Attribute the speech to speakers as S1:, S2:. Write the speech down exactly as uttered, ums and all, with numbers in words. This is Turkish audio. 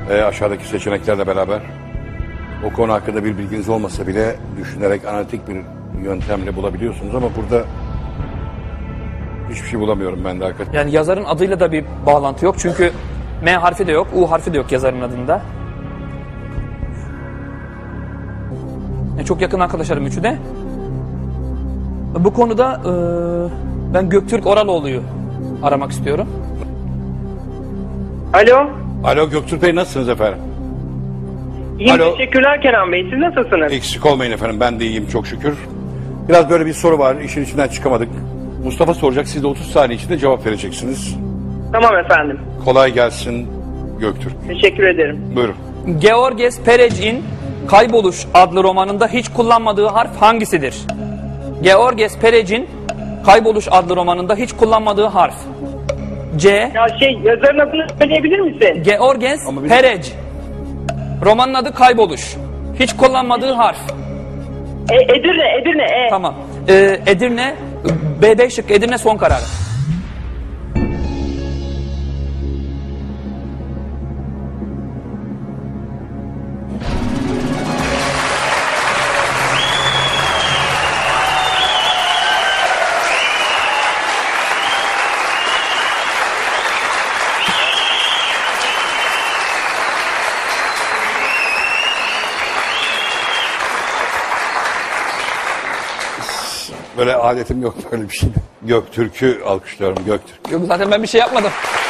S1: e, aşağıdaki seçeneklerle beraber o konu hakkında bir bilginiz olmasa bile düşünerek analitik bir yöntemle bulabiliyorsunuz ama burada hiçbir şey bulamıyorum ben de hakikaten.
S2: Yani yazarın adıyla da bir bağlantı yok. Çünkü M harfi de yok, U harfi de yok yazarın adında. Yani çok yakın arkadaşlarım üçü de. Bu konuda e, ben Göktürk Oraloğlu'yu aramak istiyorum.
S3: Alo.
S1: Alo Göktürk Bey, nasılsınız efendim?
S3: İyiyim,
S1: Alo.
S3: teşekkürler Kenan Bey. Siz nasılsınız?
S1: Eksik olmayın efendim, ben de iyiyim çok şükür. Biraz böyle bir soru var, işin içinden çıkamadık. Mustafa soracak, siz de otuz saniye içinde cevap vereceksiniz.
S3: Tamam efendim.
S1: Kolay gelsin Göktürk.
S3: Teşekkür ederim.
S1: Buyurun.
S2: Georges Perec'in Kayboluş adlı romanında hiç kullanmadığı harf hangisidir? Georges Perec'in Kayboluş adlı romanında hiç kullanmadığı harf. C.
S3: Ya şey, yazarın adını söyleyebilir misin?
S2: Georges
S1: Ama bir-
S2: Perec. Romanın adı Kayboluş. Hiç kullanmadığı harf.
S3: E, Edirne, Edirne. E.
S2: Tamam. Ee, Edirne, B B şık Edirne son kararı.
S1: Böyle adetim yok böyle bir şey. Göktürk'ü alkışlıyorum, Göktürk.
S2: Yok zaten ben bir şey yapmadım.